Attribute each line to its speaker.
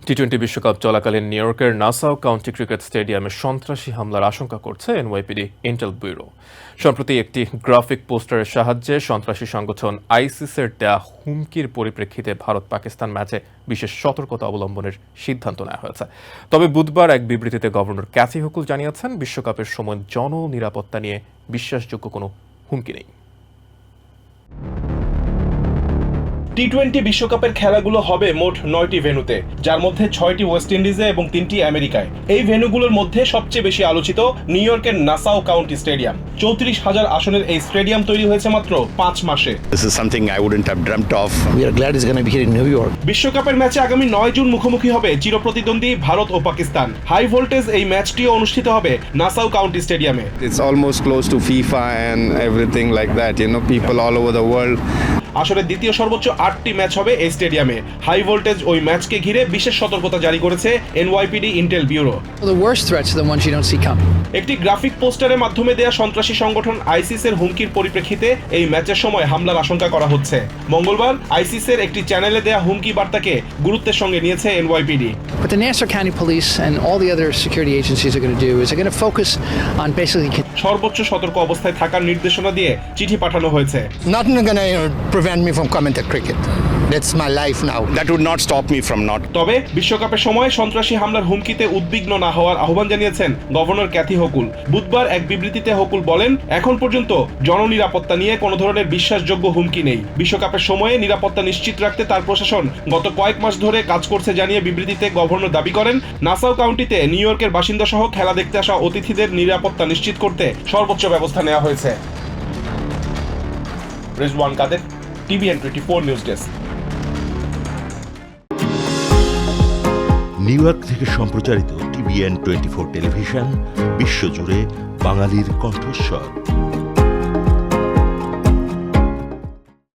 Speaker 1: টি-20 বিশ্বকাপ চলাকালীন নিউ ইয়র্কের নাসাউ কাউন্টি ক্রিকেট স্টেডিয়ামে সন্ত্রাসী হামলার আশঙ্কা করছে এনওয়াইপিডি ইন্টেল ব্যুরো। সম্প্রতি একটি গ্রাফিক পোস্টারের সাহায্যে সন্ত্রাসী সংগঠন আইসিসের দেয়া হুমকির পরিপ্রেক্ষিতে ভারত পাকিস্তান ম্যাচে বিশেষ সতর্কতা অবলম্বনের সিদ্ধান্ত নেওয়া হয়েছে। তবে বুধবার এক বিবৃতিতে গভর্নর ক্যাথি হুকুল জানিয়েছেন, বিশ্বকাপের সময় জননিরাপত্তা নিয়ে বিশ্বাসযোগ্য কোনো হুমকি নেই।
Speaker 2: টি-20 বিশ্বকাপের খেলাগুলো হবে মোট 9টি ভেন্যুতে, যার মধ্যে 6টি ওয়েস্ট ইন্ডিজে এবং 3টি আমেরিকায়। এই ভেন্যুগুলোর মধ্যে সবচেয়ে বেশি আলোচিত নিউ ইয়র্কের নাসাউ কাউন্টি স্টেডিয়াম। 34,000 আসনের এই স্টেডিয়াম তৈরি হয়েছে মাত্র 5 মাসে।
Speaker 3: This is something I wouldn't have dreamt of.
Speaker 4: We are glad it's going to be here in New York.
Speaker 2: বিশ্বকাপের ম্যাচে আগামী 9 জুন মুখোমুখি হবে চিরপ্রতিদ্বন্দ্বী ভারত ও পাকিস্তান। হাই ভোল্টেজ এই ম্যাচটিও অনুষ্ঠিত হবে নাসাউ কাউন্টি স্টেডিয়ামে।
Speaker 5: It's almost close to FIFA and everything like that. You know, people all over the world.
Speaker 2: আসলে দ্বিতীয় সর্বোচ্চ 8টি ম্যাচ হবে এই স্টেডিয়ামে। হাই ভোল্টেজ ওই ম্যাচকে ঘিরে বিশেষ সতর্কতা জারি করেছে NYPD intel bureau.
Speaker 4: The worst threats are the ones you don't see coming.
Speaker 2: একটি গ্রাফিক পোস্টারের মাধ্যমে দেয়া সন্ত্রাসী সংগঠন আইসিসের হুমকির পরিপ্রেক্ষিতে এই ম্যাচের সময় হামলার আশঙ্কা করা হচ্ছে। মঙ্গলবার আইসিসের একটি চ্যানেলে দেয়া হুমকি বার্তাকে গুরুত্বের সঙ্গে নিয়েছে NYPD.
Speaker 4: What the Nassau County Police and all the other security agencies are going to do is they're going to focus on basically
Speaker 2: সর্বোচ্চ সতর্ক অবস্থায় থাকার নির্দেশনা দিয়ে চিঠি পাঠানো হয়েছে।
Speaker 6: Nothing gonna prevent me from coming to cricket. That's my life now.
Speaker 3: That would not stop me from not.
Speaker 2: তবে বিশ্বকাপের সময় সন্ত্রাসী হামলার হুমকিতে উদ্বিগ্ন না হওয়ার আহ্বান জানিয়েছেন গভর্নর ক্যাথি হুকুল। বুধবার এক বিবৃতিতে হুকুল বলেন, এখন পর্যন্ত জননিরাপত্তা নিয়ে কোনো ধরনের বিশ্বাসযোগ্য হুমকি নেই। বিশ্বকাপের সময়ে নিরাপত্তা নিশ্চিত রাখতে তার প্রশাসন গত কয়েক মাস ধরে কাজ করছে জানিয়ে বিবৃতিতে গভর্নর দাবি করেন, নাসাউ কাউন্টিতে নিউ ইয়র্কের বাসিন্দা সহ খেলা দেখতে আসা অতিথিদের নিরাপত্তা নিশ্চিত করতে সর্বোচ্চ ব্যবস্থা নেওয়া হয়েছে। Rezwan Kader, TVN 24 news desk.
Speaker 7: New York থেকে সম্প্রচারিত টিভিএন 24 টেলিভিশন বিশ্বজুড়ে বাঙালির কণ্ঠস্বর।